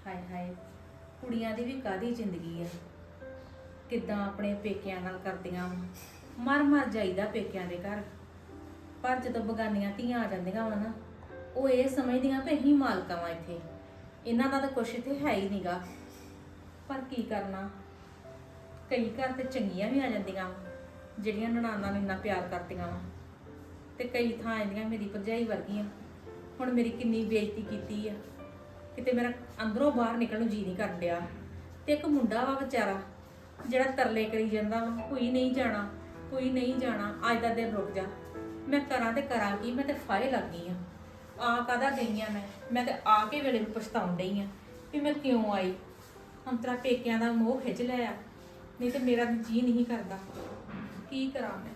ਹਾਏ ਹਾਏ, ਕੁੜੀਆਂ ਦੀ ਵੀ ਕਾਹਦੀ ਜ਼ਿੰਦਗੀ ਆ। ਕਿੱਦਾਂ ਆਪਣੇ ਪੇਕਿਆਂ ਨਾਲ ਕਰਦੀਆਂ ਵਾ। ਮਰ ਮਰ ਜਾਈਦਾ ਪੇਕਿਆਂ ਦੇ ਘਰ। ਪਰ ਜਦੋਂ ਬਗਾਨੀਆਂ ਧੀਆਂ ਆ ਜਾਂਦੀਆਂ ਵਾ ਨਾ, ਉਹ ਇਹ ਸਮਝਦੀਆਂ ਕਿ ਅਸੀਂ ਮਾਲਕਾਂ ਵਾਂ ਇੱਥੇ, ਇਹਨਾਂ ਦਾ ਤਾਂ ਕੁਛ ਇੱਥੇ ਹੈ ਹੀ ਨਹੀਂਗਾ। ਪਰ ਕੀ ਕਰਨਾ, ਕਈ ਘਰ ਤੇ ਚੰਗੀਆਂ ਵੀ ਆ ਜਾਂਦੀਆਂ ਵਾ ਜਿਹੜੀਆਂ ਨਨਾਣਾਂ ਨੂੰ ਇੰਨਾ ਪਿਆਰ ਕਰਦੀਆਂ ਵਾ, ਤੇ ਕਈ ਥਾਂ ਆਉਂਦੀਆਂ ਮੇਰੀ ਭਰਜਾਈ ਵਰਗੀਆਂ। ਹੁਣ ਮੇਰੀ ਕਿੰਨੀ ਬੇਇੱਜ਼ਤੀ ਕੀਤੀ ਆ, ਕਿਤੇ ਮੇਰਾ ਅੰਦਰੋਂ ਬਾਹਰ ਨਿਕਲਣ ਨੂੰ ਜੀ ਨਹੀਂ ਕਰਨ ਡਿਆ। ਤੇ ਇੱਕ ਮੁੰਡਾ ਵਾ ਵਿਚਾਰਾ ਜਿਹੜਾ ਤਰਲੇ ਕਰੀ ਜਾਂਦਾ ਵਾ, ਕੋਈ ਨਹੀਂ ਜਾਣਾ, ਕੋਈ ਨਹੀਂ ਜਾਣਾ, ਅੱਜ ਦਾ ਦਿਨ ਰੁਕ ਜਾ। ਮੈਂ ਕਰਾਂ ਤੇ ਕਰਾਂ ਕੀ, ਮੈਂ ਤੇ ਫਾਹੇ ਲੱਗ ਗਈ ਆ ਕਾਹਦਾ ਗਈ ਆ। ਮੈਂ ਤੇ ਆ ਕੇ ਵੇਲੇ ਨੂੰ ਪਛਤਾਉਣ ਡਈ ਆ ਵੀ ਮੈਂ ਕਿਉਂ ਆਈ। ਹੁਣ ਤੇਰਾ ਪੇਕਿਆਂ ਦਾ ਮੋਹ ਖਿੱਚ ਲਿਆ, ਨਹੀਂ ਤੇ ਮੇਰਾ ਜੀ ਨਹੀਂ ਕਰਦਾ। ਕੀ ਕਰਾਂ ਮੈਂ।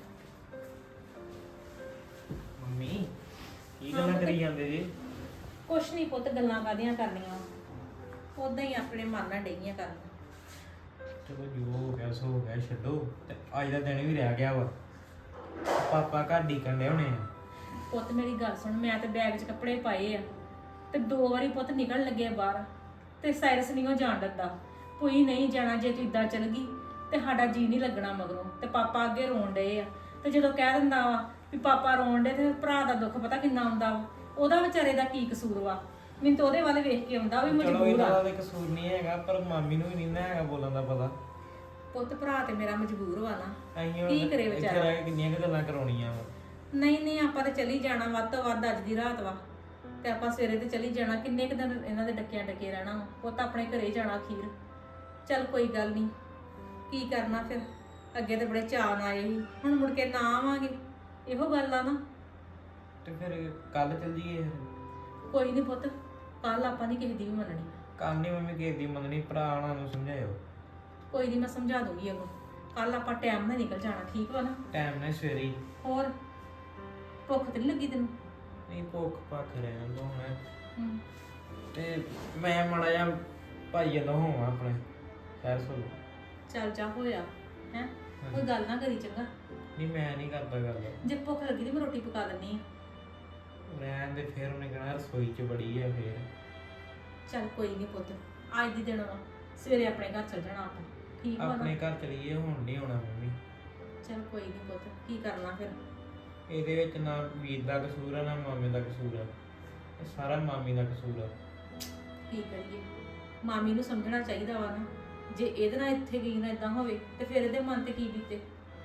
ਮੰਮੀ ਕੀ ਗੱਲਾਂ ਕਰੀ ਜਾਂਦੇ ਜੀ? ਕੁਛ ਨਹੀਂ ਪੁੱਤ, ਗੱਲਾਂ ਕਾਹਦੀਆਂ ਕਰਨੀਆਂ, ਉਦਾਂ ਹੀ ਆਪਣੇ ਮਨ ਨਾਲ ਡਈਆਂ ਕਰਨ। ਚਲੋ ਜੋ ਹੋ ਗਿਆ ਸੋ ਹੋ ਗਿਆ, ਛੱਡੋ। ਤੇ ਅੱਜ ਦਾ ਦਿਨ ਵੀ ਰਹਿ ਗਿਆ ਵਾ, ਪਾਪਾ ਘਰ ਡੀਕਣ ਦੇ ਹੋਣੇ ਆ। ਪੁੱਤ ਮੇਰੀ ਗੱਲ ਸੁਣ, ਮੈਂ ਤੇ ਬੈਗ 'ਚ ਕੱਪੜੇ ਪਾਏ ਆ ਤੇ 2 ਵਾਰੀ ਪੁੱਤ ਨਿਕਲ ਲੱਗੇ ਬਾਹਰ, ਤੇ ਸਾਇਰਸ ਨਹੀਂ ਉਹ ਜਾਣ ਦਿੰਦਾ। ਕੋਈ ਨਹੀਂ ਜਾਣਾ, ਜੇ ਤੂੰ ਇਦਾਂ ਚੱਲ ਗਈ ਤੇ ਸਾਡਾ ਜੀ ਨਹੀਂ ਲੱਗਣਾ ਮਗਰੋਂ। ਤੇ ਪਾਪਾ ਅੱਗੇ ਰੋਣ ਡਏ ਆ, ਤੇ ਜਦੋਂ ਕਹਿ ਦਿੰਦਾ ਵਾ ਵੀ ਪਾਪਾ ਰੋਣ ਡੇ, ਤੇ ਭਰਾ ਦਾ ਦੁੱਖ ਪਤਾ ਕਿੰਨਾ ਆਉਂਦਾ ਵਾ। ਉਹਦਾ ਵਿਚਾਰੇ ਦਾ ਕੀ ਕਸੂਰ ਵਾ, ਮੈਨੂੰ ਤਾਂ ਉਹਦੇ ਵੱਲ ਵੇਖ ਕੇ ਆਉਂਦਾ ਵੀ ਚਲੋ ਮਜਬੂਰ ਇਹਨਾਂ ਆ। ਦਾ ਤਾਂ ਕਸੂਰ ਨਹੀਂ ਹੈਗਾ, ਪਰ ਮਾਮੀ ਨੂੰ ਵੀ ਨਹੀਂ ਨਾ ਹੈਗਾ ਬੋਲਣ ਦਾ ਪਤਾ। ਪੁੱਤ ਭਰਾ ਤੇ ਮੇਰਾ ਮਜਬੂਰ ਵਾ ਨਾ, ਅਸੀਂ ਕੀ ਕਰੇ ਵਿਚਾਰਾ। ਇੱਥੇ ਰਹਿ ਕੇ ਕਿੰਨੀਆਂ ਕੁ ਗੱਲਾਂ ਕਰਾਉਣੀਆਂ ਵਾ। ਨਹੀਂ ਨਹੀਂ, ਆਪਾਂ ਤੇ ਚਲੀ ਜਾਣਾ ਵੱਧ ਤੋਂ ਵੱਧ। ਅੱਜ ਦੀ ਰਾਤ ਵਾ ਤੇ ਆਪਾਂ ਸਵੇਰੇ ਤੇ ਚਲੀ ਜਾਣਾ। ਕਿੰਨੇ ਕੁ ਦਿਨ ਇਹਨਾਂ ਦੇ ਡੱਕਿਆਂ ਡੱਕੇ ਰਹਿਣਾ ਵਾ। ਪੁੱਤ ਆਪਣੇ ਘਰੇ ਜਾਣਾ ਅਖੀਰ। ਚੱਲ ਕੋਈ ਗੱਲ ਨਹੀਂ, ਕੀ ਕਰਨਾ ਫਿਰ। ਅੱਗੇ ਤੇ ਬੜੇ ਚਾਅ ਨਾਲ ਆਏ ਸੀ, ਹੁਣ ਮੁੜ ਕੇ ਨਾ ਆਵਾਂਗੇ, ਇਹੋ ਗੱਲ ਆ ਨਾ। ਤੇ ਫਿਰ ਕੱਲ ਚੱਲ ਜੀਏ। ਕੋਈ ਨਹੀਂ ਪੁੱਤ, ਕੱਲ ਆਪਾਂ ਨਹੀਂ ਕਿਸੇ ਦੀ ਵੀ ਮੰਨਣੀ। ਕੱਲ ਨਹੀਂ ਮੰਮੀ ਕਿਸੇ ਦੀ ਮੰਨਣੀ, ਭਰਾ ਉਹਨਾਂ ਨੂੰ ਸਮਝਾਇਓ। ਕੋਈ ਨਹੀਂ, ਮੈਂ ਸਮਝਾ ਦੂੰਗੀ ਅੱਗੋਂ। ਕੱਲ ਆਪਾਂ ਟਾਈਮ ਨਾਲ ਨਿਕਲ ਜਾਣਾ, ਠੀਕ ਵਾ ਨਾ। ਟਾਈਮ ਨਾਲ ਸਵੇਰੇ ਹੀ। ਹੋਰ ਭੁੱਖ ਤੇ ਨਹੀਂ ਲੱਗੀ ਤੈਨੂੰ? ਨਹੀਂ ਭੁੱਖ ਭੱਖ ਰਹਿਣ ਦੋ ਮੈਂ। ਹੂੰ, ਤੇ ਮੈਂ ਮਾੜਾ ਜਿਹਾ ਭਾਈ ਵੱਲੋਂ ਹੋਵਾਂ ਆਪਣੇ ਸ਼ਹਿਰ ਸੋ। ਚੱਲ ਜਾ ਹੋਇਆ ਹੈ, ਕੋਈ ਗੱਲ ਨਾ ਕਰੀ ਚੰਗਾ। ਨਹੀਂ ਮੈਂ ਨਹੀਂ ਕਰਦਾ ਗੱਲ। ਜੇ ਭੁੱਖ ਲੱਗੀ ਤੇ ਮੈਂ ਰੋਟੀ ਪਕਾ ਦਿੰਨੀ ਆ। ਰਹਿਣ ਦੇ, ਫਿਰ ਉਹਨੇ ਕਹਿਣਾ ਰਸੋਈ 'ਚ ਬੜੀ ਆ ਫਿਰ। ਚੱਲ ਕੋਈ ਨਹੀਂ ਪੁੱਤ, ਅੱਜ ਦੀ ਦਿਨ ਵਾ, ਸਵੇਰੇ ਆਪਣੇ ਘਰ ਚੱਲ ਜਾਣਾ ਆਪਾਂ, ਠੀਕ ਵਾ ਨਾ। ਆਪਣੇ ਘਰ ਚਲੀਏ, ਹੁਣ ਨਹੀਂ ਆਉਣਾ ਮੰਮੀ। ਚੱਲ ਕੋਈ ਨਹੀਂ ਪੁੱਤ, ਕੀ ਕਰਨਾ ਫਿਰ। ਇਹਦੇ ਵਿੱਚ ਨਾ ਵੀਰ ਦਾ ਕਸੂਰ ਆ ਨਾ ਮਾਮੇ ਦਾ ਕਸੂਰ ਆ, ਇਹ ਸਾਰਾ ਮਾਮੀ ਦਾ ਕਸੂਰ ਆ। ਕੀ ਕਰੀਏ, ਮਾਮੀ ਨੂੰ ਸਮਝਣਾ ਚਾਹੀਦਾ ਵਾ ਨਾ। ਜੇ ਇਹਦੇ ਨਾਲ ਇੱਥੇ ਗਈ ਨਾ ਇਦਾਂ ਹੋਵੇ ਤੇ ਫਿਰ ਇਹਦੇ ਮਨ ਤੇ ਕੀ ਬੀਤੇ।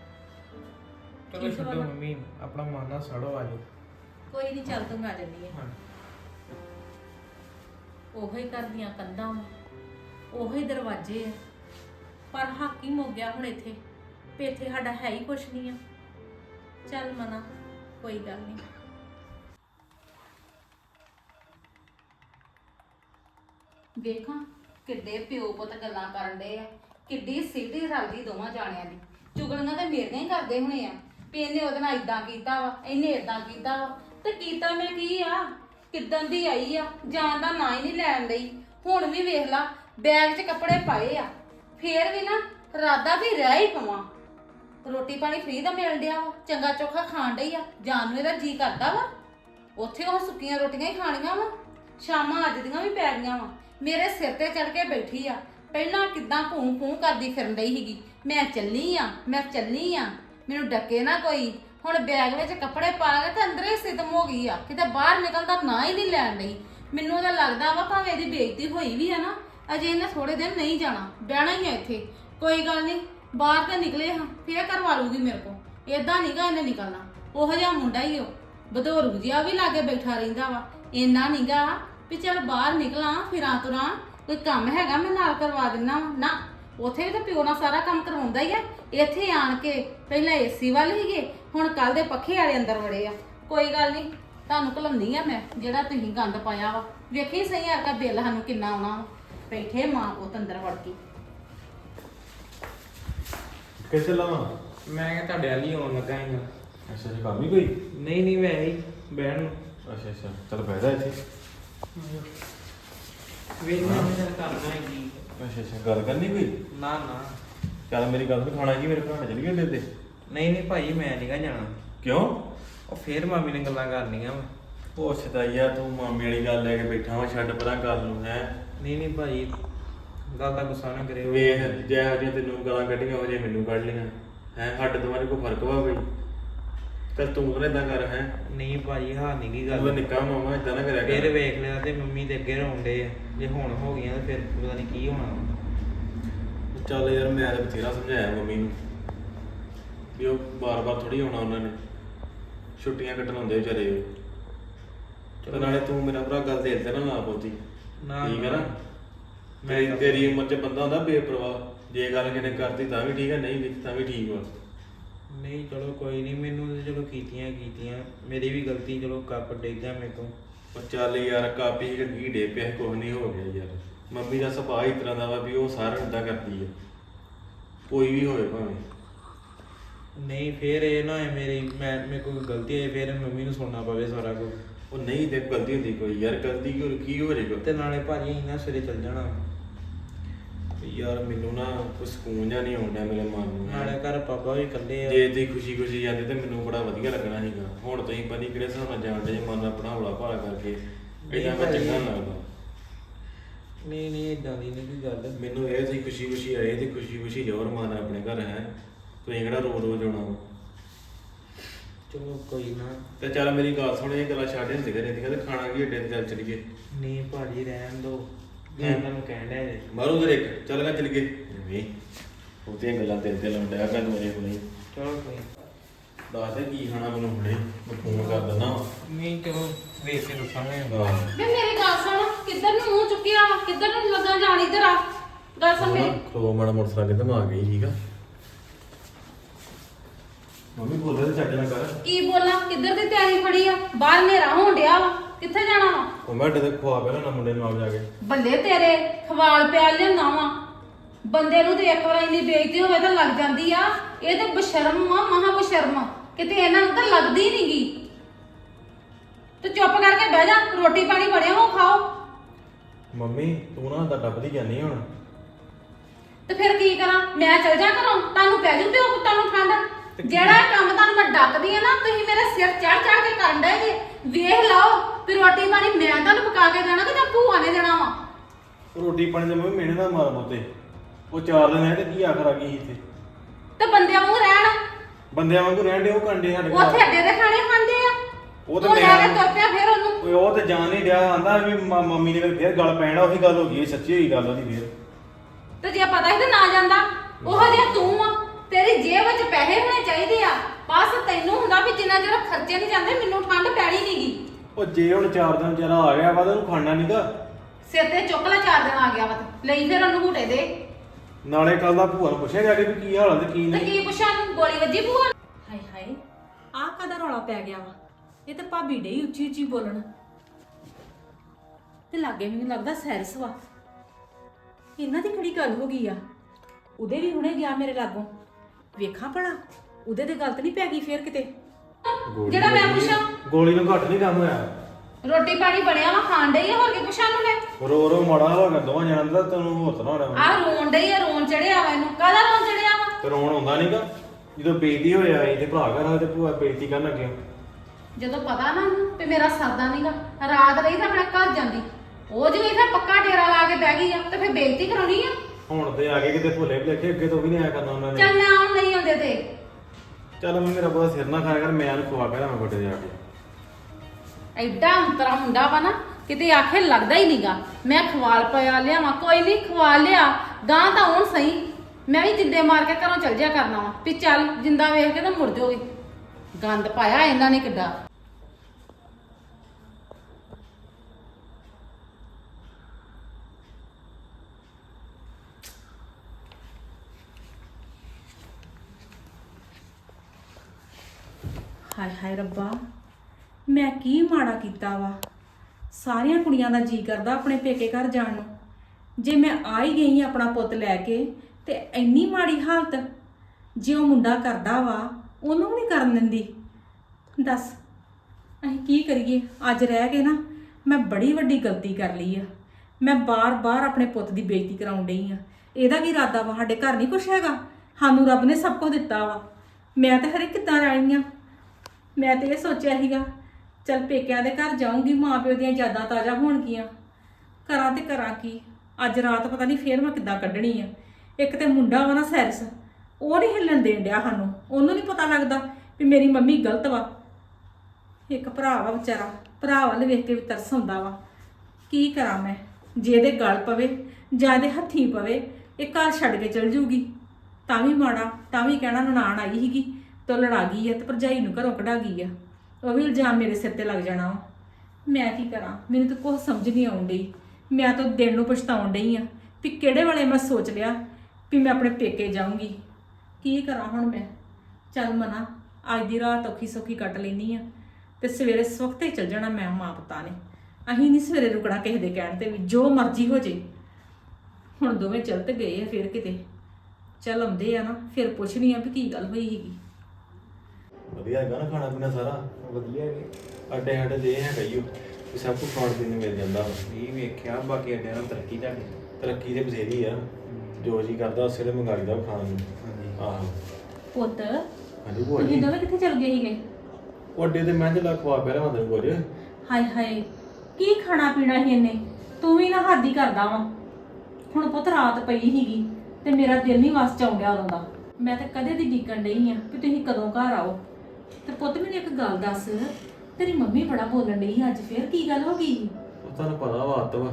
ਚਲੋ ਠੀਕ ਵਾ ਛੱਡੋ ਨਾ? ਮੰਮੀ, ਆਪਣਾ ਮਨ ਨਾ ਸੜੋ ਆਜੋ। ਕੋਈ ਨਹੀਂ, ਚੱਲ ਤੂੰ ਆ ਜੰਨੀ ਹੈ। ਹਾਂ ਉਹੋ ਹੀ ਘਰ ਦੀਆਂ ਕੰਧਾਂ ਵਾ, ਉਹੋ ਹੀ ਦਰਵਾਜ਼ੇ ਆ, ਪਰ ਹੱਕ ਹੀ ਮੁੱਕ ਗਿਆ ਹੁਣ ਇੱਥੇ ਵੀ ਇੱਥੇ ਸਾਡਾ ਹੈ ਹੀ ਕੁਛ ਨਹੀਂ ਆ। ਚੱਲ ਮਨਾ, ਕੋਈ ਗੱਲ ਨਹੀਂ। ਵੇਖਾਂ ਕਿੱਡੇ ਪਿਓ ਪੁੱਤ ਗੱਲਾਂ ਕਰਨ ਡਏ ਆ, ਕਿੱਡੀ ਸਿੱਧੀ ਰਲਦੀ ਦੋਵਾਂ ਜਾਣਿਆਂ ਦੀ। ਚੁਗਲੀਆਂ ਤਾਂ ਮੇਰੀਆਂ ਹੀ ਕਰਦੇ ਹੋਣੇ ਆ ਵੀ ਇਹਨੇ ਉਹਦੇ ਨਾਲ ਇਦਾਂ ਕੀਤਾ ਵਾ, ਇਹਨੇ ਇਦਾਂ ਕੀਤਾ ਵਾ। ਤੇ ਕੀਤਾ ਮੈਂ ਕੀ ਆ? ਕਿੱਦਣ ਦੀ ਆਈ ਆ, ਜਾਣ ਦਾ ਨਾਂ ਹੀ ਨਹੀਂ ਲੈਣ ਡਈ। ਹੁਣ ਵੀ ਵੇਖ ਲਾ, ਬੈਗ 'ਚ ਕੱਪੜੇ ਪਾਏ ਆ, ਫੇਰ ਵੀ ਨਾ ਰਾਦਾ ਵੀ ਰਹਿ ਹੀ ਪਵਾਂ। ਰੋਟੀ ਪਾਣੀ ਫ੍ਰੀ ਦਾ ਮਿਲ ਡਿਆ ਵਾ, ਚੰਗਾ ਚੋਖਾ ਖਾਣ ਡਈ ਆ, ਜਾਣ ਨੂੰ ਇਹਦਾ ਜੀ ਕਰਦਾ ਵਾ। ਉੱਥੇ ਉਹ ਸੁੱਕੀਆਂ ਰੋਟੀਆਂ ਹੀ ਖਾਣੀਆਂ ਵਾ, ਸ਼ਾਮਾਂ ਅੱਜ ਦੀਆਂ ਵੀ ਪੈ ਗਈਆਂ ਵਾ। ਮੇਰੇ ਸਿਰ ਤੇ ਚੜ ਕੇ ਬੈਠੀ ਆ, ਪਹਿਲਾਂ ਕਿੱਦਾਂ ਭੂੰ ਭੂੰ ਕਰਦੀ ਫਿਰਨ ਡਈ ਸੀਗੀ, ਮੈਂ ਚੱਲੀ ਆ, ਮੈਂ ਚੱਲੀ ਆ, ਮੈਨੂੰ ਡੱਕੇ ਨਾ ਕੋਈ। ਹੁਣ ਬੈਗ ਵਿੱਚ ਕੱਪੜੇ ਪਾ ਕੇ ਤੇ ਅੰਦਰ ਹੀ ਸਿੱਧਮ ਹੋ ਗਈ ਆ, ਕਿਤੇ ਬਾਹਰ ਨਿਕਲਦਾ ਨਾ ਹੀ ਨਹੀਂ ਲੈਣ ਡਈ। ਮੈਨੂੰ ਉਹਦਾ ਲੱਗਦਾ ਵਾ ਭਾਵੇਂ ਇਹਦੀ ਬੇਇੱਜ਼ਤੀ ਹੋਈ ਵੀ ਆ ਨਾ, ਅਜੇ ਇਹਨੇ ਥੋੜੇ ਦਿਨ ਨਹੀਂ ਜਾਣਾ, ਬਹਿਣਾ ਹੀ ਆ ਇੱਥੇ। ਕੋਈ ਗੱਲ ਨਹੀਂ, ਬਾਹਰ ਤਾਂ ਨਿਕਲੇ ਹਾਂ, ਫੇਰ ਕਰਵਾ ਲੂਗੀ ਮੇਰੇ ਕੋਲ। ਏਦਾਂ ਨਹੀਂਗਾ ਇਹਨੇ ਨਿਕਲਣਾ, ਉਹੋ ਜਿਹਾ ਮੁੰਡਾ ਹੀ ਉਹ, ਬਧੋਰੂ ਜਿਹਾ ਵੀ ਲਾਗੇ ਬੈਠਾ ਰਹਿੰਦਾ ਵਾ। ਇੰਨਾ ਨਹੀਂਗਾ ਵੀ ਚੱਲ ਬਾਹਰ ਨਿਕਲਾਂ ਫਿਰਾਂ ਤੁਰਾਂ, ਕੋਈ ਕੰਮ ਹੈਗਾ ਮੈਂ ਨਾਲ ਕਰਵਾ ਦਿੰਨਾ ਵਾ। ਨਾ, ਉੱਥੇ ਵੀ ਤਾਂ ਪਿਓ ਨਾਲ ਸਾਰਾ ਕੰਮ ਕਰਵਾਉਂਦਾ ਹੀ ਆ। ਇੱਥੇ ਆਣ ਕੇ ਪਹਿਲਾਂ ਏਸੀ ਵੱਲ ਹੀਗੇ, ਹੁਣ ਕੱਲ ਦੇ ਪੱਖੇ ਵਾਲੇ ਅੰਦਰ ਵੜੇ ਆ। ਕੋਈ ਗੱਲ ਨਹੀਂ, ਤੁਹਾਨੂੰ ਘਲਾਉਂਦੀ ਆ ਮੈਂ, ਜਿਹੜਾ ਤੁਸੀਂ ਗੰਦ ਪਾਇਆ ਵਾ। ਵੇਖੀ ਸਹੀ ਆ ਕਾ ਬਿੱਲ ਸਾਨੂੰ ਕਿੰਨਾ ਆਉਣਾ ਵਾ। ਬੈਠੇ ਮਾਂ ਪੁੱਤ ਅੰਦਰ ਵੜ ਕੇ। ਕਿੱਥੇ ਲਾਵਾਂ? ਮੈਂ ਕਿਹਾ ਤੁਹਾਡੇ ਵਾਲੀ ਆਉਣ ਲੱਗਾ ਹੀ ਅੱਛਾ ਜੀ, ਕੰਮ ਹੀ ਕੋਈ? ਨਹੀਂ ਨਹੀਂ ਵੈਸੇ ਹੀ ਬਹਿਣ ਨੂੰ। ਅੱਛਾ ਅੱਛਾ, ਚਲ ਬਹਿ ਜਾ ਇੱਥੇ। ਵੇਖਣਾ ਮੈਂ ਚੱਲ ਕਰਨਾ ਹੀ। ਅੱਛਾ ਅੱਛਾ, ਗੱਲ ਕਰਨੀ ਕੋਈ? ਨਾ ਨਾ, ਚੱਲ ਮੇਰੀ ਗੱਲ ਸੁਣ, ਖਾਣਾ ਕੀ ਮੇਰੇ ਭਰਾ ਨੇ ਚਲੀ ਗਏ ਤੇ? ਨਹੀਂ ਨਹੀਂ ਭਾਈ, ਮੈਂ ਨਹੀਂਗਾ ਜਾਣਾ। ਕਿਉਂ? ਉਹ ਫੇਰ ਮਾਮੀ ਨੇ ਗੱਲਾਂ ਕਰਨੀਆਂ ਵਾ। ਪੁੱਛਦਾ ਯਾਰ ਤੂੰ ਮਾਮੇ ਵਾਲੀ ਗੱਲ ਲੈ ਕੇ ਬੈਠਾ ਵਾ, ਛੱਡ ਪਰਾਂ ਗੱਲ ਨੂੰ ਹੈ। ਨਹੀਂ ਨਹੀਂ ਭਾਜੀ, ਗੱਲ ਦਾ ਗੁੱਸਾ ਨਾ ਕਰਿਓ। ਵੇਖ ਜਿਹੋ ਜਿਹੀਆਂ ਤੈਨੂੰ ਗਾਲਾਂ ਕੱਢੀਆਂ ਉਹ ਜੇ ਮੈਨੂੰ ਕੱਢ ਲਈਆਂ ਹੈ। ਸਾਡੇ ਦੋਵਾਂ 'ਚ ਕੋਈ ਫਰਕ ਵਾ ਕੋਈ? ਚੱਲ ਤੂੰ ਤਾਂ ਏਦਾਂ ਕਰ ਹੈ। ਨਹੀਂ ਭਾਜੀ, ਹਾਂ ਨਹੀਂ ਕੀ ਤੂੰ ਤਾਂ ਗੱਲ। ਨਿੱਕਾ ਮਾਮਾ ਏਦਾਂ ਨਾ ਕਰਿਆ ਫਿਰ ਕਰ। ਵੇਖ ਲਿਆ ਤੇ ਮੰਮੀ ਤੇ ਅੱਗੇ ਰੋਣ ਡੇ ਆ, ਜੇ ਹੁਣ ਹੋ ਗਈਆਂ ਤੇ ਫਿਰ ਪਤਾ ਨਹੀਂ ਕੀ ਹੋਣਾ। ਚੱਲ ਯਾਰ ਮੈਂ ਤਾਂ ਬਥੇਰਾ ਸਮਝਾਇਆ ਮੰਮੀ ਨੂੰ ਵੀ ਉਹ ਬਾਰ-ਬਾਰ ਥੋੜੀ ਆਉਣਾ ਉਹਨਾਂ ਨੇ, ਛੁੱਟੀਆਂ ਕੱਟਣ ਆਉਂਦੇ ਵਿਚਾਰੇ ਉਹ। ਤੇ ਨਾਲੇ ਤੂੰ ਮੇਰਾ ਭਰਾ ਗੱਲ ਦੇ ਨਾ ਲਾ ਪੋਤੀ, ਨਾ, ਠੀਕ ਹੈ ਨਾ? ਮੈਂ ਤੇਰੀ ਉਮਰ 'ਚ ਬੰਦਾ ਹੁੰਦਾ ਬੇਪਰਵਾਹ, ਜੇ ਗੱਲ ਕਿਨੇ ਕਰਤੀ ਤਾਂ ਵੀ ਠੀਕ ਹੈ, ਨਹੀਂ ਕੀਤੀ ਤਾਂ ਵੀ ਠੀਕ ਵਾ। ਨਹੀਂ ਚਲੋ ਕੋਈ ਨਹੀਂ, ਮੈਨੂੰ ਤੇ ਚਲੋ ਕੀਤੀਆਂ ਮੇਰੀ ਵੀ ਗਲਤੀ, ਚਲੋ ਕੱਪ ਡਿੱਗ ਗਿਆ ਮੇਰੇ ਤੋਂ। ਉਹ ਚੱਲ ਯਾਰ ਕਾਪੀ ਕੀ ਡੇ ਪਿਆ, ਕੁਛ ਨਹੀਂ ਹੋ ਗਿਆ ਯਾਰ। ਮੰਮੀ ਦਾ ਸੁਭਾਅ ਇਸ ਤਰ੍ਹਾਂ ਦਾ ਵਾ ਵੀ ਉਹ ਸਾਰਾ ਏਦਾਂ ਕਰਦੀ ਹੈ, ਕੋਈ ਵੀ ਹੋਵੇ ਭਾਵੇਂ। ਨਹੀਂ ਫਿਰ ਇਹ ਨਾ ਹੋਏ ਮੇਰੇ ਕੋਲ ਗਲਤੀ ਹੋਈ ਫਿਰ ਮੰਮੀ ਨੂੰ ਸੁਣਨਾ ਪਵੇ ਸਾਰਾ ਕੁਝ। ਉਹ ਨਹੀਂ ਤੇ ਗਲਤੀ ਹੁੰਦੀ ਕੋਈ ਯਾਰ, ਗਲਤੀ ਕੀ ਹੋ ਜਾਏਗਾ? ਤੇ ਨਾਲੇ ਭਾਜੀ ਅਸੀਂ ਨਾ ਸਵੇਰੇ ਚੱਲ ਜਾਣਾ, ਯਾਰ ਮੈਨੂੰ ਨਾ ਕੋਈ ਸਕੂਨ ਜਿਹਾ ਨਹੀਂ ਆਉਂਦਾ ਮੇਰੇ ਮਨ ਨੂੰ। ਨਾਲੇ ਘਰ ਪਾਪਾ ਵੀ ਇਕੱਲੇ ਆ। ਜੇ ਤੁਸੀਂ ਖੁਸ਼ੀ ਜਾਂਦੇ ਤੇ ਮੈਨੂੰ ਬੜਾ ਵਧੀਆ ਲੱਗਣਾ ਸੀਗਾ। ਹੁਣ ਤੁਸੀਂ ਪਤਾ ਨੀ ਕਿਹੜੇ ਹਿਸਾਬ ਨਾਲ ਜਾਣਦੇ ਜੇ, ਮਨ ਆਪਣਾ ਹੌਲਾ ਭਾਲਾ ਕਰਕੇ ਏਦਾਂ ਮੈਂ ਚੰਗਾ ਨੀ ਲੱਗਦਾ। ਨਹੀਂ ਇਦਾਂ ਦੀ ਨਹੀਂ ਕੋਈ ਗੱਲ। ਮੈਨੂੰ ਇਹ ਸੀ ਖੁਸ਼ੀ ਆਏ ਤੇ ਖੁਸ਼ੀ ਜਾਓ ਰਮਾਨ ਆਪਣੇ ਘਰ ਹੈ। ਤੁਸੀਂ ਕਿਹੜਾ ਰੋਜ਼ ਆਉਣਾ ਵਾ? ਚਲੋ ਕੋਈ ਨਾ। ਤੇ ਚੱਲ ਮੇਰੀ ਗੱਲ ਸੁਣ, ਇਹ ਗੱਲਾਂ ਛੱਡ ਹੁੰਦੇ ਘਰੇ ਦੀਆਂ, ਤੇ ਖਾਣਾ ਕੀ ਅੱਡੇ ਤੇ ਚੱਲ ਚਲੀਏ। ਨਹੀਂ ਭਾਜੀ ਰਹਿਣ ਦੋ, ਮੈਂ ਤੁਹਾਨੂੰ ਕਹਿਣ ਡਿਆ ਜੇ। ਮਾਰੋ ਉਧਰ ਇੱਕ, ਚੱਲ ਗਾ ਚਲੀਏ। ਵੀ ਉਹਦੀਆਂ ਗੱਲਾਂ ਤੇ ਲਾਉਣ ਡਿਆ ਕਰ ਮੇਰੇ ਹੁਣੇ। ਚਲੋ ਕੋਈ ਦੱਸ ਦੇ ਕੀ ਖਾਣਾ ਮੈਨੂੰ ਹੁਣੇ, ਮੈਂ ਫੋਨ ਕਰ ਦਿੰਦਾ ਵਾ। ਨਹੀਂ ਚਲੋ ਵੇਖ ਕੇ ਦੱਸਾਂਗੇ। ਆਹ ਵੇ ਮੇਰੀ ਗੱਲ ਸੁਣ, ਕਿੱਧਰ ਨੂੰ ਮੂੰਹ ਚੁੱਕਿਆ ਵਾ? ਕਿੱਧਰ ਨੂੰ ਲੱਗਾ ਜਾਣ? ਇੱਧਰ ਆ, ਗੱਲ ਸੁਣ ਮੇਰੀ। ਖਲੋ ਮਾੜਾ ਮੋਟਰਸਾਈਕਲ ਤੇ ਆ ਗਈ, ਠੀਕ ਆ? ਮੰਮੀ ਬੋਲਦੇ ਤੇ ਛੱਡ ਨਾ ਕਰ। ਕੀ ਬੋਲਾਂ? ਕਿੱਧਰ ਦੀ ਤਿਆਰੀ ਫੜੀ ਆ? ਬਾਹਰ ਹਨੇਰਾ ਹੋਣ ਡਿਆ ਵਾ, ਕਿੱਥੇ ਜਾਣਾ ਵਾ? ਉਹ ਮੈਂ ਅੱਡੇ ਤੇ ਖਵਾ ਪਿਆ ਨਾ ਮੁੰਡੇ ਨੂੰ ਆਪ ਜਾ ਕੇ। ਬੱਲੇ ਤੇਰੇ, ਖਵਾਲ ਪਿਆਲ ਲਿਆਉਂਦਾ ਵਾ। ਬੰਦੇ ਨੂੰ ਤੇ ਇੱਕ ਵਾਰ ਇੰਨੀ ਬੇਇੱਜ਼ਤੀ ਹੋਵੇ ਤਾਂ ਲੱਗ ਜਾਂਦੀ ਆ। ਇਹ ਤੇ ਬਸ਼ਰਮ ਆ, ਮਹਾ ਬਸ਼ਰਮ। ਕਿਤੇ ਇਹਨਾਂ ਨੂੰ ਤਾਂ ਲੱਗਦੀ ਨਹੀਂਗੀ। ਤੂੰ ਚੁੱਪ ਕਰਕੇ ਬਹਿ ਜਾ, ਰੋਟੀ ਪਾਣੀ ਬਣਿਆ ਹੋ ਖਾਓ। ਮੰਮੀ ਤੂੰ ਨਾ ਤਾਂ ਡੱਬਦੀ ਜਾਨੀ ਹੁਣ। ਤੇ ਫਿਰ ਕੀ ਕਰਾਂ? ਮੈਂ ਚਲ ਜਾ ਘਰੋਂ? ਤੁਹਾਨੂੰ ਪੈ ਜੂ ਪਿਓ ਪੁੱਤਾਂ ਨੂੰ ਠੰਡ। ਜਿਹੜਾ ਇਹ ਕੰਮ ਤੁਹਾਨੂੰ ਮੈਂ ਡੱਕਦੀ ਆ ਨਾ, ਤੁਸੀਂ ਮੇਰੇ ਸਿਰ ਚੜ ਕੇ ਕਰਨ ਡਏ ਜੇ। ਵੇਖ ਲਓ ਵੀ ਰੋਟੀ ਪਾਣੀ ਮੈਂ ਤੁਹਾਨੂੰ ਪਕਾ ਕੇ ਦੇਣਾ ਕਿ ਜਾਂ ਭੂਆ ਨੇ ਦੇਣਾ ਵਾ? ਰੋਟੀ ਪਾਣੀ ਦੇ ਮੰਮੀ ਮੇਰੇ ਨਾਲ ਮਾਰ ਮੋਤੇ। ਉਹ 4 ਦਿਨ ਹੈ ਤੇ ਕੀ ਆਖਰ ਆ ਗਈ ਸੀ ਇੱਥੇ? ਤੇ ਬੰਦਿਆਂ ਵਾਂਗੂ ਰਹਿਣ। ਬੰਦਿਆਂ ਵਾਂਗੂ ਰਹਿਣ ਦੇ, ਉਹ ਕੰਡੇ ਸਾਡੇ ਉੱਥੇ ਅੱਡੇ ਦੇ ਖਾਣੇ ਖਾਂਦੇ ਆ। ਉਹ ਤਾਂ ਉਹ ਲੈ ਕੇ ਮੈਂ ਤੁਰ ਪਿਆ ਫਿਰ ਉਹਨੂੰ। ਓਏ ਉਹ ਤੇ ਜਾਣ ਨਹੀਂ ਡਿਆ, ਆਂਦਾ ਵੀ ਮੰਮੀ ਨੇ ਫਿਰ ਗੱਲ ਪੈਣਾ। ਉਹੀ ਗੱਲ ਹੋ ਗਈ, ਸੱਚੀ ਹੋਈ ਗੱਲ ਉਹਦੀ ਫਿਰ। ਤੇ ਜੇ ਪਤਾ ਸੀ ਤੇ ਨਾ ਜਾਂਦਾ। ਉਹੋ ਜਿਹਾ ਤੂੰ ਆ, ਤੇਰੀ ਜੇਬ ਵਿੱਚ ਪੈਸੇ ਹੋਣੇ ਚਾਹੀਦੇ ਆ। ਬਸ ਤੈਨੂੰ ਹੁੰਦਾ ਵੀ ਜਿੰਨਾ ਚਿਰ ਖਰਚੇ ਨਹੀਂ ਜਾਂਦੇ ਮੈਨੂੰ ਠੰਡ ਪੈਣੀ ਨਹੀਂਗੀ। ਉਹ ਜੇ ਹੁਣ 4 ਦਿਨ ਵਿਚਾਰਾ ਆ ਗਿਆ ਵਾ ਤਾਂ ਉਹਨੂੰ ਖਾਣਾ ਨਹੀਂਗਾ। ਸਿਰ ਤੇ ਚੁੱਕ ਲੈ, 4 ਦਿਨ ਆ ਗਿਆ ਵਾ ਤੇ ਲਈ ਫਿਰ ਉਹਨੂੰ ਘੂਟੇ ਦੇ। ਨਾਲੇ ਕੱਲ ਦਾ ਭੂਆ ਨੂੰ ਪੁੱਛਿਆ ਜਾ ਕੇ ਵੀ ਕੀ ਹਾਲ ਆ ਤੇ ਕੀ ਤੇ ਨਹੀਂ। ਕੀ ਪੁੱਛਾਂ ਨੂੰ? ਗੋਲੀ ਵੱਜੀ ਭੂਆ? ਹਾਏ ਹਾਏ, ਆਹ ਕਾਹਦਾ ਰੌਲਾ ਪੈ ਗਿਆ ਵਾ? ਇਹ ਤੇ ਭਾਬੀ ਡਈ ਉੱਚੀ ਉੱਚੀ ਬੋਲਣ। ਤੇ ਲਾਗੇ ਮੈਨੂੰ ਲੱਗਦਾ ਸੈਰਸ ਵਾ। ਇਹਨਾਂ ਦੀ ਕਿਹੜੀ ਗੱਲ ਹੋ ਗਈ ਆ? ਉਹਦੇ ਵੀ ਹੁਣੇ ਗਿਆ ਮੇਰੇ ਲਾਗੋਂ। ਵੇਖਾਂ ਭਲਾ ਉਹਦੇ ਤੇ ਗਲਤ ਨਹੀਂ ਪੈ ਗਈ ਫੇਰ ਕਿਤੇ। ਜਿਹੜਾ ਮੈਂ ਪੁੱਛਾਂ? ਗੋਲੀ ਨੂੰ ਘੱਟ ਨਹੀਂ ਕੰਮ ਹੋਇਆ। ਰੋਟੀ ਪਾਣੀ ਬਣਿਆ ਵਾ, ਖਾਣ ਡਈ ਆ, ਹੋਰ ਕੀ ਪੁੱਛਾਂ ਨੂੰ ਮੈਂ? ਰੋ ਮਾੜਾ ਹੋ ਗਿਆ ਦੋਵਾਂ ਜਣਾਂ ਦਾ, ਤੈਨੂੰ ਹੋਰ ਤਾਂ ਨਾ ਹੋਣਾ। ਆਹ ਰੋਣ ਡਈ ਆ, ਰੋਣ ਚੜਿਆ ਵਾ ਇਹਨੂੰ। ਕਾਹਦਾ ਰੋਣ ਚੜਿਆ ਵਾ? ਤੇ ਰੋਣ ਆਉਂਦਾ ਨਹੀਂਗਾ ਜਦੋਂ ਬੇਇੱਜ਼ਤੀ ਹੋਇਆ ਇਹਦੇ ਭਰਾ ਘਰ ਤੇ ਭੂਆ ਬੇਇੱਜ਼ਤੀ ਕਰਨ ਲੱਗੇ। ਜਦੋਂ ਪਤਾ ਨਾ ਉਹਨੂੰ ਵੀ ਮੇਰਾ ਸਰਦਾ ਨਹੀਂਗਾ, ਰਾਤ ਰਹੀ ਤਾਂ ਆਪਣੇ ਘਰ ਜਾਂਦੀ। ਉਹ ਜਿਵੇਂ ਇੱਥੇ ਪੱਕਾ ਡੇਰਾ ਲਾ ਕੇ ਬਹਿ ਗਈ ਆ ਤੇ ਫਿਰ ਬੇਇੱਜ਼ਤੀ ਕਰਾਉਣੀ ਆ। ਹੁਣ ਤੇ ਆ ਗਏ ਕਿਤੇ ਭੁੱਲੇ ਭੁਲੇਖੇ, ਅੱਗੇ ਤੋਂ ਵੀ ਨਹੀਂ ਆਇਆ ਕਰਨਾ ਉਹਨਾਂ ਨੇ। ਚੱਲ ਨਾ ਹੁਣ ਨਹੀਂ ਆਉਂਦੇ ਤੇ। ਚੱਲ ਮੈਂ ਮੇਰਾ ਬਹੁਤ ਸਿਰ ਨਾ ਖਾਇਆ ਕਰ, ਮੈਂ ਇਹਨੂੰ ਖਵਾ ਪਿਆ ਮੈਂ ਵੱਡੇ ਜਾ ਕੇ। ਐਡਾ ਅੰਤਰਾ ਮੁੰਡਾ ਵਾ ਨਾ, ਕਿਤੇ ਆਖੇ ਲੱਗਦਾ ਹੀ ਨਹੀਂਗਾ। ਮੈਂ ਖਵਾਲ ਪਿਆ ਲਿਆਵਾਂ, ਕੋਈ ਨਹੀਂ ਖਵਾ ਲਿਆ। ਗਾਂ ਤਾਂ ਹੁਣ ਸਹੀ, ਮੈਂ ਵੀ ਜਿੰਦੇ ਮਾਰ ਕੇ ਘਰੋਂ ਚਲ ਜਿਆ ਕਰਨਾ ਵਾ ਵੀ ਚੱਲ ਜਿੰਦਾ ਵੇਖ ਕੇ ਤਾਂ ਮੁੜ ਜਾਓਗੇ। ਗੰਦ ਪਾਇਆ ਇਹਨਾਂ ਨੇ ਕਿੱਡਾ। ਹਾਏ ਹਾਏ ਰੱਬਾ, ਮੈਂ ਕੀ ਮਾੜਾ ਕੀਤਾ ਵਾ? ਸਾਰੀਆਂ ਕੁੜੀਆਂ ਦਾ ਜੀ ਕਰਦਾ ਆਪਣੇ ਪੇਕੇ ਘਰ ਜਾਣ ਨੂੰ। ਜੇ ਮੈਂ ਆ ਹੀ ਗਈ ਆਪਣਾ ਪੁੱਤ ਲੈ ਕੇ ਤੇ ਇੰਨੀ ਮਾੜੀ ਹਾਲਤ। ਜੇ ਉਹ ਮੁੰਡਾ ਕਰਦਾ ਵਾ ਉਹਨੂੰ ਵੀ ਨਹੀਂ ਕਰਨ ਦਿੰਦੀ। ਦੱਸ ਅਸੀਂ ਕੀ ਕਰੀਏ? ਅੱਜ ਰਹਿ ਕੇ ਨਾ ਮੈਂ ਬੜੀ ਵੱਡੀ ਗਲਤੀ ਕਰ ਲਈ ਆ। ਮੈਂ ਬਾਰ-ਬਾਰ ਆਪਣੇ ਪੁੱਤ ਦੀ ਬੇਇੱਜ਼ਤੀ ਕਰਾਉਣ ਡਈ ਆ। ਇਹਦਾ ਕੀ ਇਰਾਦਾ ਵਾ? ਸਾਡੇ ਘਰ ਨਹੀਂ ਕੁਛ ਹੈਗਾ? ਸਾਨੂੰ ਰੱਬ ਨੇ ਸਭ ਕੁਝ ਦਿੱਤਾ ਵਾ। ਮੈਂ ਤਾਂ ਹਰੇ ਕਿੱਦਾਂ ਰਹਿਣੀ ਆ? ਮੈਂ ਤੇ ਇਹ ਸੋਚਿਆ ਸੀਗਾ ਚੱਲ ਪੇਕਿਆਂ ਦੇ ਘਰ ਜਾਊਂਗੀ, ਮਾਂ ਪਿਓ ਦੀਆਂ ਯਾਦਾਂ ਤਾਜ਼ਾ ਹੋਣਗੀਆਂ। ਕਰਾਂ ਤੇ ਕਰਾਂ ਕੀ? ਅੱਜ ਰਾਤ ਪਤਾ ਨਹੀਂ ਫੇਰ ਮੈਂ ਕਿੱਦਾਂ ਕੱਢਣੀ ਆ। ਇੱਕ ਤੇ ਮੁੰਡਾ ਵਾ ਨਾ ਸੈਰਸ, ਉਹ ਨਹੀਂ ਹਿੱਲਣ ਦੇਣ ਡਿਆ ਸਾਨੂੰ। ਉਹਨੂੰ ਨਹੀਂ ਪਤਾ ਲੱਗਦਾ ਵੀ ਮੇਰੀ ਮੰਮੀ ਗਲਤ ਵਾ। ਇੱਕ ਭਰਾ ਵਾ ਵਿਚਾਰਾ, ਭਰਾ ਵੱਲ ਵੇਖ ਕੇ ਵੀ ਤਰਸ ਆਉਂਦਾ ਵਾ। ਕੀ ਕਰਾਂ ਮੈਂ? ਜੇ ਇਹਦੇ ਗਲ ਪਵੇ ਜਾਂ ਇਹਦੇ ਹੱਥੀਂ ਪਵੇ, ਇਹ ਘਰ ਛੱਡ ਕੇ ਚਲ ਜੂਗੀ ਤਾਂ ਵੀ ਮਾੜਾ, ਤਾਂ ਵੀ ਕਹਿਣਾ ਨਨਾਣ ਆਈ ਸੀਗੀ ਤੇ ਲੜਾ ਗਈ ਆ ਤੇ ਭਰਜਾਈ ਨੂੰ ਘਰੋਂ ਕਢਾ ਗਈ ਆ। ਉਹ ਵੀ ਇਲਜ਼ਾਮ ਮੇਰੇ ਸਿਰ ਤੇ ਲੱਗ ਜਾਣਾ ਵਾ। ਮੈਂ ਕੀ ਕਰਾਂ? ਮੈਨੂੰ ਤਾਂ ਕੁਛ ਸਮਝ ਨਹੀਂ ਆਉਣ ਡਈ। ਮੈਂ ਤਾਂ ਦਿਨ ਨੂੰ ਪਛਤਾਉਣ ਡਈ ਆ ਵੀ ਕਿਹੜੇ ਵੇਲੇ ਮੈਂ ਸੋਚ ਲਿਆ ਵੀ ਮੈਂ ਆਪਣੇ ਪੇਕੇ ਜਾਊਂਗੀ। ਕੀ ਕਰਾਂ ਹੁਣ ਮੈਂ? ਚੱਲ ਮਨਾ, ਅੱਜ ਦੀ ਰਾਤ ਔਖੀ ਸੌਖੀ ਕੱਟ ਲੈਣੀ ਆ ਤੇ ਸਵੇਰੇ ਸਵਖਤੇ ਚੱਲ ਜਾਣਾ ਮੈਂ ਮਾਂ ਪੁੱਤਾਂ ਨੇ। ਅਸੀਂ ਨਹੀਂ ਸਵੇਰੇ ਰੁਕਣਾ ਕਿਸੇ ਦੇ ਕਹਿਣ ਤੇ ਵੀ, ਜੋ ਮਰਜ਼ੀ ਹੋ ਜੇ। ਹੁਣ ਦੋਵੇਂ ਚੱਲ ਤੇ ਗਏ ਆ ਫਿਰ ਕਿਤੇ। ਚੱਲ ਆਉਂਦੇ ਆ ਨਾ ਫਿਰ ਪੁੱਛਣੀ ਆ ਵੀ ਕੀ ਗੱਲ ਹੋਈ ਸੀਗੀ। ਵਧੀਆ ਹੈਗਾ ਨਾ ਖਾਣਾ ਪੀਣਾ ਸਾਰਾ? ਵਧੀਆ ਜੀ। ਅੱਡੇ ਸਾਡੇ ਦੇ ਹੈ ਕਈਓ ਕਿ ਸਭ ਕੁਝ ਖਾਣ ਪੀਣ ਨੂੰ ਮਿਲ ਜਾਂਦਾ ਵਾ। ਇਹ ਵੇਖਿਆ ਬਾਕੀ ਅੱਡਿਆਂ ਨਾਲ ਤਰੱਕੀ ਤੁਹਾਡੀ। ਤਰੱਕੀ ਤੇ ਬਥੇਰੀ ਆ, ਜੋ ਜੀ ਕਰਦਾ ਉਸੇ ਵੇਲੇ ਮੰਗਾ ਲਈਦਾ ਖਾਣ ਨੂੰ। ਹਾਂਜੀ। ਆਹੋ। ਪੁੱਤ ਹਾਂਜੀ ਭੂਆ ਤੁਸੀਂ ਜੀ, ਦੋਵੇਂ ਕਿੱਥੇ ਚਲ ਗਏ ਸੀਗੇ? ਉਹ ਅੱਡੇ ਤੇ ਮੈਂ ਚਲਾ ਖਵਾ ਪਿਆ ਰਹਾਂ ਤੈਨੂੰ ਕੁਝ। ਹਾਏ ਹਾਏ, ਕੀ ਖਾਣਾ ਪੀਣਾ ਸੀ ਇਹਨੇ? ਤੂੰ ਵੀ ਨਾ ਹੱਦ ਹੀ ਕਰਦਾ ਵਾ। ਹੁਣ ਪੁੱਤ ਰਾਤ ਪਈ ਸੀਗੀ ਤੇ ਮੇਰਾ ਦਿਲ ਨਹੀਂ ਵਸ ਚ ਆਉਂਦਿਆ ਉਦੋਂ ਦਾ। ਮੈਂ ਤਾਂ ਕਦੇ ਦੀ ਡੀਕਣ ਡਈ ਆ ਕਿ ਤੁਸੀਂ ਕਦੋਂ ਘਰ ਆਓ। ਤੇ ਪੁੱਤ ਮੈਨੂੰ ਇੱਕ ਗੱਲ ਦੱਸ, ਤੇਰੀ ਮੰਮੀ ਬੜਾ ਬੋਲਣ ਡਈ ਅੱਜ, ਫੇਰ ਕੀ ਗੱਲ ਹੋ ਗਈ? ਉਹ ਤੁਹਾਨੂੰ ਪਤਾ ਵਾ ਆਦਤ ਵਾ,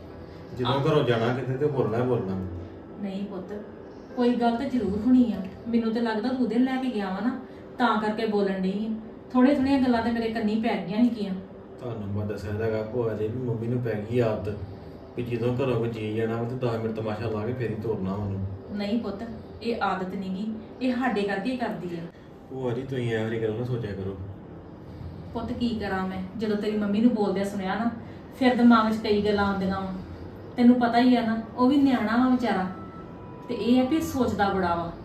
ਜਦੋਂ ਘਰੋਂ ਜਾਣਾ ਕਿਤੇ ਤੇ ਬੋਲਣਾ ਹੀ ਬੋਲਣਾ। ਨਹੀਂ ਪੁੱਤ, ਕੋਈ ਗੱਲ ਤਾਂ ਜ਼ਰੂਰ ਹੋਣੀ ਆ। ਮੈਨੂੰ ਤਾਂ ਲੱਗਦਾ ਤੂੰ ਉਹਦੇ ਲੈ ਕੇ ਗਿਆ ਵਾ ਨਾ, ਤਾਂ ਕਰਕੇ ਬੋਲਣ ਡਈ ਆ। ਥੋੜ੍ਹੀਆਂ ਥੋੜ੍ਹੀਆਂ ਗੱਲਾਂ ਤੇ ਮੇਰੇ ਕੰਨੀ ਪੈ ਗਈਆਂ ਸੀਗੀਆਂ। ਤੁਹਾਨੂੰ ਮੈਂ ਦੱਸਿਆ ਹੈਗਾ ਭੂਆ ਜੀ ਵੀ ਮੰਮੀ ਨੂੰ ਪੈ ਗਈ ਆਦਤ ਵੀ ਜਦੋਂ ਘਰੋਂ ਕੋਈ ਜੀ ਜਾਣਾ ਵਾ ਤੇ 10 ਮਿੰਟ ਤਮਾਸ਼ਾ ਲਾ ਕੇ ਫੇਰ ਹੀ ਤੋਰਨਾ ਉਹਨੂੰ। ਨਹੀਂ ਪੁੱਤ, ਇਹ ਆਦਤ ਨਹੀਂਗੀ, ਇਹ ਸਾਡੇ ਕਰਕੇ ਹੀ ਕਰਦੀ ਆ। ਭੂਆ ਜੀ ਤੁਸੀਂ ਇਹੋ ਜਿਹੀ ਗੱਲ ਨਾ ਸੋਚਿਆ ਕਰੋ। ਪੁੱਤ ਕੀ ਕਰਾਂ ਮੈਂ? ਜਦੋਂ ਤੇਰੀ ਮੰਮੀ ਨੂੰ ਬੋਲਦਿਆਂ ਸੁਣਿਆ ਨਾ, ਫਿਰ ਦਿਮਾਗ 'ਚ ਕਈ ਗੱਲਾਂ ਆਉਂਦੀਆਂ ਵਾ। ਤੈਨੂੰ ਪਤਾ ਹੀ ਆ ਨਾ, ਉਹ ਵੀ ਨਿਆਣਾ ਵਾ ਵਿਚਾਰਾ, ਤੇ ਇਹ ਆ ਵੀ ਸੋਚਦਾ ਬੜਾ ਵਾ।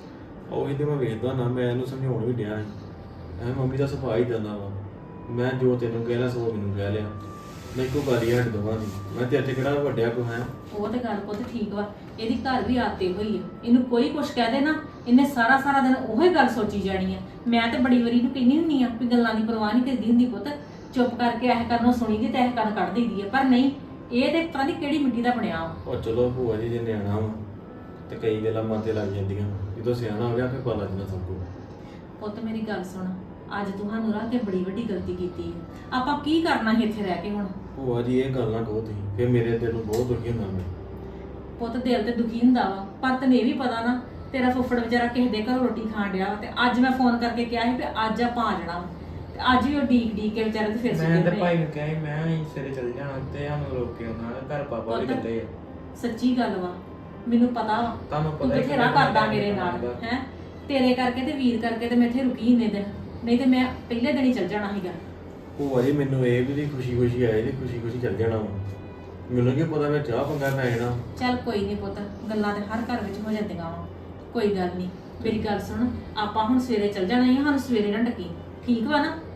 ਉਹੀ ਤੇ ਮੈਂ ਵੇਖਦਾ ਨਾ, ਮੈਂ ਇਹਨੂੰ ਸਮਝਾਉਣ ਵੀ ਡਿਆ ਸੀ। ਐ ਮੰਮੀ ਦਾ ਸੁਭਾਅ ਹੀ ਦਿੰਦਾ ਵਾ, ਮੈਂ ਜੋ ਤੈਨੂੰ ਕਹਿ ਲਿਆ ਸੋ ਮੈਨੂੰ ਕਹਿ ਲਿਆ। ਮੈਂ ਇੱਕੋ ਗੱਲ ਹੀ ਹੱਟ ਦਵਾਂ ਦੀ, ਮੈਂ ਤੇ ਅੱਜ ਕਿਹੜਾ ਵੱਡਿਆ ਕੋ ਹੈ। ਉਹ ਤੇ ਗੱਲ ਪੁੱਤ ਠੀਕ ਵਾ, ਇਹਦੀ ਘਰ ਵੀ ਆਦਤ ਹੋਈ ਆ। ਇਹਨੂੰ ਕੋਈ ਕੁਛ ਕਹਿ ਦੇ ਨਾ, ਇਹਨੇ ਸਾਰਾ ਸਾਰਾ ਦਿਨ ਉਹੀ ਗੱਲ ਸੋਚੀ ਜਾਣੀ ਆ। ਮੈਂ ਤੇ ਬੜੀ ਵਾਰੀ ਨੂੰ ਕਹਿੰਦੀ ਹੁੰਦੀ ਆ ਵੀ ਗੱਲਾਂ ਦੀ ਪਰਵਾਹ ਨਹੀਂ ਕਰਦੀ ਹੁੰਦੀ ਪੁੱਤ, ਚੁੱਪ ਕਰਕੇ ਇਹ ਕਰਨੋਂ ਸੁਣੀ ਦੀ ਤੇ ਇਹ ਕੰਨ ਕੱਢ ਦਈਦੀ ਆ। ਪਰ ਨਹੀਂ, ਇਹ ਤੇ ਪਤਾ ਨਹੀਂ ਕਿਹੜੀ ਮਿੱਟੀ ਦਾ ਬਣਿਆ ਵਾ। ਉਹ ਚਲੋ ਭੂਆ ਜੀ ਜੇ ਨਿਆਣਾ ਵਾ ਤੇ ਕਈ ਗੱਲਾਂ ਮਨ ਤੇ ਲੱਗ ਜਾਂਦੀਆਂ, ਜਦੋਂ ਸਿਆਣਾ ਹੋ ਗਿਆ ਫਿਰ ਪਤਾ ਲੱਗਦਾ ਸਭ ਕੁਝ। ਪੁੱਤ ਮੇਰੀ ਗੱਲ ਸੁਣ, ਅੱਜ ਤੁਹਾਨੂੰ ਰੱਖ ਕੇ ਬੜੀ ਵੱਡੀ ਗਲਤੀ ਕੀਤੀ ਹੈ। ਆਪਾਂ ਕੀ ਕਰਨਾ ਸੀ ਇੱਥੇ ਰਹਿ ਕੇ ਹੁਣ? ਭੂਆ ਜੀ ਇਹ ਗੱਲ ਨਾ ਕਹੋ ਤੁਸੀਂ, ਫਿਰ ਮੇਰੇ ਦਿਲ ਨੂੰ ਬਹੁਤ ਦੁਖੀ ਹੁੰਦਾ ਮੈਂ। ਪੁੱਤ ਦਿਲ ਤੇ ਦੁਖੀ ਹੁੰਦਾ ਵਾ, ਪਰ ਤੈਨੂੰ ਇਹ ਵੀ ਪਤਾ ਨਾ ਤੇਰਾ ਫੁੱਫੜ ਵਿਚਾਰਾ ਕਿਸੇ ਦੇ ਘਰੋਂ ਰੋਟੀ ਖਾਣ ਡਿਆ ਵਾ। ਤੇ ਅੱਜ ਮੈਂ ਫੋਨ ਕਰਕੇ ਕਿਹਾ ਸੀ ਵੀ ਅੱਜ ਆਪਾਂ ਆ ਜਾਣਾ ਵਾ, ਤੇ ਅੱਜ ਵੀ ਉਹ ਡੀਕ ਕੇ ਵਿਚਾਰੇ ਤੇ ਫਿਰ ਮੈਂ ਸੁੱਤੇ ਤੇ ਪਏ। ਭਾਈ ਨੂੰ ਕਿਹਾ ਸੀ ਮੈਂ ਅਸੀਂ ਸਵੇਰੇ ਚੱਲ ਜਾਣਾ ਤੇ ਸਾਨੂੰ ਰੋਕ ਕੇ ਆਉਣਾ, ਘਰ ਪਾਪਾ ਵੀ ਪੁੱਤ, ਇਕੱਲੇ ਆ। ਸੱਚੀ ਗੱਲ ਵਾ, ਮੈਨੂੰ ਪਤਾ ਵਾ ਤੁਹਾਨੂੰ ਤੂੰ ਪਤਾ ਹੀ ਬਥੇਰਾ ਕਿੰਨਾ ਕਰਦਾ time ਮੇਰੇ ਨਾਲ ਲੱਗਦਾ। ਹੈ। ਤੇਰੇ ਕਰਕੇ ਤੇ ਵੀਰ ਕਰਕੇ ਤੇ ਮੈਂ ਇੱਥੇ ਰੁਕੀ ਇੰਨੇ ਦਿਨ, ਨਹੀਂ ਤੇ ਮੈਂ ਪਹਿਲੇ ਦਿਨ ਹੀ ਚੱਲ ਜਾਣਾ ਸੀਗਾ। ਭੂਆ ਜੀ ਮੈਨੂੰ ਇਹ ਵੀ ਖੁਸ਼ੀ ਖੁਸ਼ੀ ਆਏ ਤੇ ਖੁਸ਼ੀ ਖੁਸ਼ੀ ਚੱਲ ਜਾਣਾ ਵਾ। ਮੈਨੂੰ ਕੀ ਪਤਾ ਮੈਂ ਚਾਹ ਪੰਗਾ ਪੈ ਜਾਣਾ। ਚੱਲ ਕੋਈ ਨਹੀਂ ਪੁੱਤ, ਗੱਲਾਂ ਤੇ ਹਰ ਘਰ ਵਿੱਚ ਹੋ ਜਾਂਦੀਆਂ ਵਾ, ਕੋਈ ਗੱਲ ਨਹੀਂ। ਮੇਰੀ ਗੱਲ ਸੁਣ, ਆਪਾਂ ਹੁਣ ਸਵੇਰੇ ਚੱਲ ਜਾਣਾ ਹੀ ਆ, ਸਾਨੂੰ ਸਵੇਰੇ ਨਾ ਡੱਕੀ, ਠੀਕ ਵਾ ਨਾ?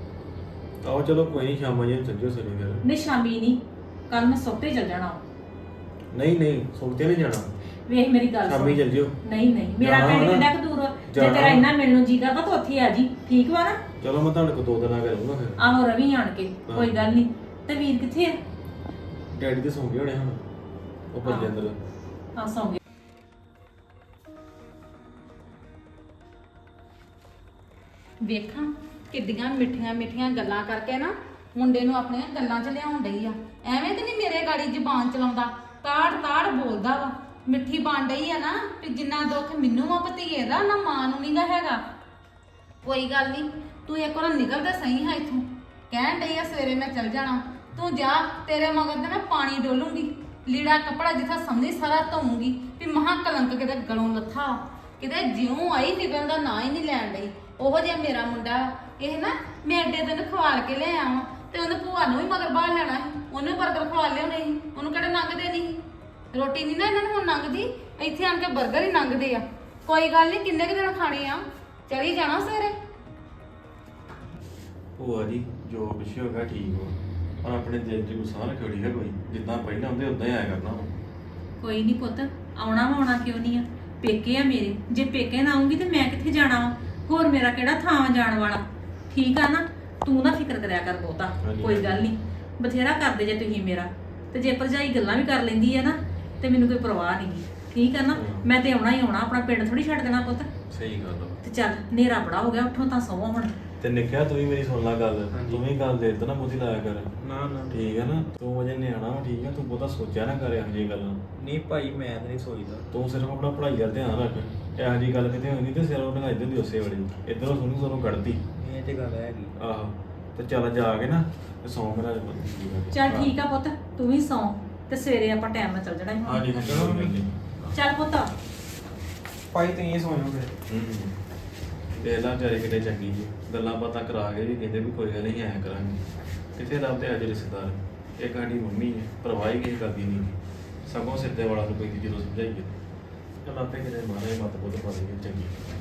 ਆਓ ਚਲੋ ਕੋਈ ਨਹੀਂ, ਸ਼ਾਮਾਂ ਜੀ ਚੱਲ ਜਿਓ ਸਵੇਰੇ ਫਿਰ। ਨਹੀਂ ਸ਼ਾਮੀ ਨਹੀਂ, ਕੱਲ ਮੈਂ ਸੁੱਤੇ ਚੱਲ ਜਾਣਾ ਵਾ। ਨਹੀਂ ਨਹੀਂ ਸੁਣਤੇ ਨਹੀਂ ਜਾਣਾ, ਵੇਖ ਮੇਰੀ ਗੱਲ ਸ਼ਾਮੀ ਚੱਲ ਜਿਓ। ਨਹੀਂ ਨਹੀਂ, ਮੇਰਾ ਜਾਣਾ ਪਿੰਡ ਵਾ ਕਿੰਨਾ ਨਾ? ਕੁ ਦੂਰ ਆ? ਜੇ ਜਾਣਾ ਤੇਰਾ ਵਾ। ਇੰਨਾ ਮਿਲਣ ਨੂੰ ਜੀ ਕਰਦਾ ਤਾਂ ਉੱਥੇ ਆ ਜੀ, ਠੀਕ ਵਾ ਨਾ? ਚਲੋ ਮੈਂ ਤੁਹਾਡੇ ਕੋਲ 2 ਦਿਨ ਆ ਕੇ ਰਹੂੰਗਾ ਫਿਰ। ਆਹੋ ਰਵੀ ਆਣ ਕੇ, ਕੋਈ ਗੱਲ ਨਹੀਂ। ਤੇ ਵੀਰ ਕਿੱਥੇ ਆ? ਡੈਡੀ ਤੇ ਸੌਂ ਗਏ ਹੋਣੇ ਹੁਣ, ਉਹ ਪੱਲੇ ਅੰਦਰ। ਹਾਂ ਸੌਂ ਗਏ। ਵੇਖਾਂ ਕਿੱਡੀਆਂ ਮਿੱਠੀਆਂ ਮਿੱਠੀਆਂ ਗੱਲਾਂ ਕਰਕੇ ਨਾ ਮੁੰਡੇ ਨੂੰ ਆਪਣੀਆਂ ਗੱਲਾਂ 'ਚ ਲਿਆਉਣ ਡਈ ਆ। ਐਵੇਂ ਤੇ ਨਹੀਂ ਮੇਰੇ ਗਾੜੀ ਜ਼ੁਬਾਨ ਚਲਾਉਂਦਾ, ਤਾੜ ਤਾੜ ਬੋਲਦਾ ਵਾ। ਮਿੱਠੀ ਬਣ ਡਈ ਆ ਨਾ ਵੀ ਜਿੰਨਾ ਦੁੱਖ ਮੈਨੂੰ ਆ ਭਤੀਏ ਦਾ, ਨਾ ਮਾਂ ਨੂੰ ਨਹੀਂਗਾ ਹੈਗਾ। ਕੋਈ ਗੱਲ ਨਹੀਂ, ਤੂੰ ਇੱਕ ਵਾਰ ਨਿਕਲ ਤੇ ਸਹੀ ਹਾਂ ਇੱਥੋਂ। ਕਹਿਣ ਡਈ ਆ ਸਵੇਰੇ ਮੈਂ ਚੱਲ ਜਾਣਾ, ਤੂੰ ਜਾ। ਤੇਰੇ ਮਗਰ ਤੇ ਮੈਂ ਪਾਣੀ ਡੋਲੂੰਗੀ, ਲੀੜਾ ਕੱਪੜਾ ਜਿੱਥਾ ਸਮਝੀ ਸਾਰਾ ਧੋਊਂਗੀ ਵੀ ਮਹਾ ਕਲੰਕ ਕਿਤੇ ਗਲੋਂ ਲੱਥਾ। ਕਿਤੇ ਜਿਉਂ ਆਈ ਨਿਕਲਣ ਦਾ ਨਾਂ ਹੀ ਨਹੀਂ ਲੈਣ ਡਈ। ਉਹੋ ਜਿਹਾ ਮੇਰਾ ਮੁੰਡਾ ਇਹ ਨਾ, ਮੈਂ ਐਡੇ ਦਿਨ ਖਵਾਲ ਕੇ ਲਿਆਇਆ ਵਾਂ ਤੇ ਉਹਨੇ ਭੂਆ ਨੂੰ ਵੀ ਮਗਰ ਬਾਹਰ ਲੈਣਾ ਸੀ, ਉਹਨੇ ਬਰਗਰ ਖਵਾ ਲਿਆਉਣੇ ਸੀ, ਉਹਨੂੰ ਕਿਹੜੇ ਲੰਘਦੇ ਨਹੀਂ। ਰੋਟੀ ਨਹੀਂ ਨਾ ਇਹਨਾਂ ਨੂੰ ਹੁਣ ਲੰਘਦੀ, ਇੱਥੇ ਆਣ ਕੇ ਬਰਗਰ ਹੀ ਲੰਘਦੇ ਆ। ਕੋਈ ਗੱਲ ਨਹੀਂ, ਕਿੰਨੇ ਕੁ ਦਿਨ ਖਾਣੇ ਆ, ਚਲੀ ਜਾਣਾ ਸਵੇਰੇ। ਭੂਆ ਜੀ ਜੋ ਪਿੱਛੇ ਹੋ ਗਿਆ ਠੀਕ ਵਾ, ਪਰ ਆਪਣੇ ਦਿਲ 'ਚ ਗੁੱਸਾ ਨਾ ਰੱਖਿਓ, ਠੀਕ ਹੈ? ਕੋਈ ਜਿੱਦਾਂ ਪਹਿਲਾਂ ਹੁੰਦੇ ਉਦਾਂ ਹੀ ਆਇਆ ਕਰਨਾ ਵਾ। ਕੋਈ ਨਹੀਂ ਪੁੱਤ, ਆਉਣਾ ਵਾ, ਆਉਣਾ ਕਿਉਂ ਨਹੀਂ ਆ? ਪੇਕੇ ਆ ਮੇਰੇ, ਜੇ ਪੇਕੇ ਨਾ ਆਉਂਗੀ ਤੇ ਮੈਂ ਕਿੱਥੇ ਜਾਣਾ ਵਾ? ਹੋਰ ਮੇਰਾ ਕਿਹੜਾ ਥਾਂ ਵਾ ਜਾਣ ਵਾਲਾ? ਠੀਕ ਆ ਨਾ? ਤੂੰ ਨਾ ਫਿਕਰ ਕਰਿਆ ਕਰ ਬਹੁਤਾ, ਹਾਂਜੀ, ਕੋਈ ਗੱਲ ਨਹੀਂ, ਬਥੇਰਾ ਕਰਦੇ ਜੇ ਤੁਸੀਂ ਮੇਰਾ। ਤੇ ਜੇ ਭਰਜਾਈ ਗੱਲਾਂ ਵੀ ਕਰ ਲੈਂਦੀ ਹੈ ਨਾ ਤੇ ਮੈਨੂੰ ਕੋਈ ਪਰਵਾਹ ਨਹੀਂਗੀ, ਠੀਕ ਆ ਨਾ। ਮੈਂ ਤੇ ਆਉਣਾ ਹੀ ਆਉਣਾ, ਆਪਣਾ ਪਿੰਡ ਥੋੜੀ ਛੱਡ ਦੇਣਾ ਪੁੱਤ। ਸਹੀ ਗੱਲ ਆ। ਤੇ ਚੱਲ ਹਨੇਰਾ ਬੜਾ ਹੋ ਗਿਆ, ਉੱਠੋ ਤਾਂ ਸੌਵੋ ਹੁਣ। ਤੇ ਨਿੱਕਿਆ ਤੂੰ ਵੀ ਮੇਰੀ ਸੁਣ ਲੈ ਗੱਲ, ਹਾਂਜੀ। ਤੂੰ ਵੀ ਗੱਲ ਦੇ ਨਾ ਬੁੱਧੀ ਲਾਇਆ ਕਰ। ਨਾ ਨਾ ਠੀਕ ਹੈ ਨਾ, ਤੂੰ ਅਜੇ ਨਿਆਣਾ ਵਾ, ਠੀਕ ਹੈ, ਤੂੰ ਬਹੁਤਾ ਸੋਚਿਆ ਨਾ ਕਰ ਇਹੋ ਜਿਹੀ ਗੱਲਾਂ। ਨਹੀਂ ਭਾਈ ਮੈਂ ਤਾਂ ਨਹੀਂ ਸੋਚਦਾ। ਤੂੰ ਸਿਰਫ ਆਪਣਾ ਪੜ੍ਹਾਈ ਦਾ ਧਿਆਨ ਰੱਖ, ਇਹੋ ਜਿਹੀ ਗੱਲ ਕਿਤੇ ਹੋਈ ਨਹੀਂ ਤੇ ਸਿਰ ਉਹ ਢੰਗਾਈ ਦਿੰਦੀ ਉਸੇ ਵੇਲੇ, ਇੱਧਰੋਂ ਸੁਣੀ ਸਾਨੂੰ ਕੱਢਦੀ। ਇਹ ਤੇ ਗੱਲ ਹੈਗੀ। ਆਹੋ, ਤੇ ਚੱਲ ਜਾ ਕੇ ਨਾ ਤੇ ਸੌਂ ਮੇਰਾ। ਚੱਲ ਠੀਕ ਆ ਪੁੱਤ, ਤੂੰ ਵੀ ਸੌਂ, ਤੇ ਸਵੇਰੇ ਆਪਾਂ ਟਾਈਮ ਨਾਲ ਚੱਲ ਜਾਣਾ ਸੀ ਹੁਣ। ਹਾਂਜੀ ਹਾਂਜੀ। ਚੱਲ ਪੁੱਤ। ਭਾਈ ਤੁਸੀਂ ਇਹ ਸੋਚੋ ਫਿਰ। ਤੇ ਇਹਦਾ ਵਿਚਾਰੀ ਕਿਤੇ ਚੰਗੀ ਜੀ, ਗੱਲਾਂ ਬਾਤਾਂ ਕਰਾ ਕੇ ਵੀ ਕਹਿੰਦੇ ਵੀ ਕੋਈ ਗੱਲ ਨਹੀਂ ਐਂ ਕਰਾਂਗੇ। ਕਿਤੇ ਰੱਬ ਤੇ ਅੱਜ ਰਿਸ਼ਤੇਦਾਰ, ਇੱਕ ਸਾਡੀ ਮੰਮੀ ਹੈ, ਪਰਵਾਹੀ ਕਿਸੇ ਕਰਦੀ ਨਹੀਂ, ਸਗੋਂ ਸਿੱਧੇ ਵਾਲਾ ਨੂੰ ਪੈਂਦੀ ਜਦੋਂ ਸਮਝਾਈਏ। ਚੱਲ ਆਪੇ ਕਿਤੇ ਮਾਰੇ ਮਤ ਬੁੱਧ ਪਾ ਦੇਗੀ ਚੰਗੀ।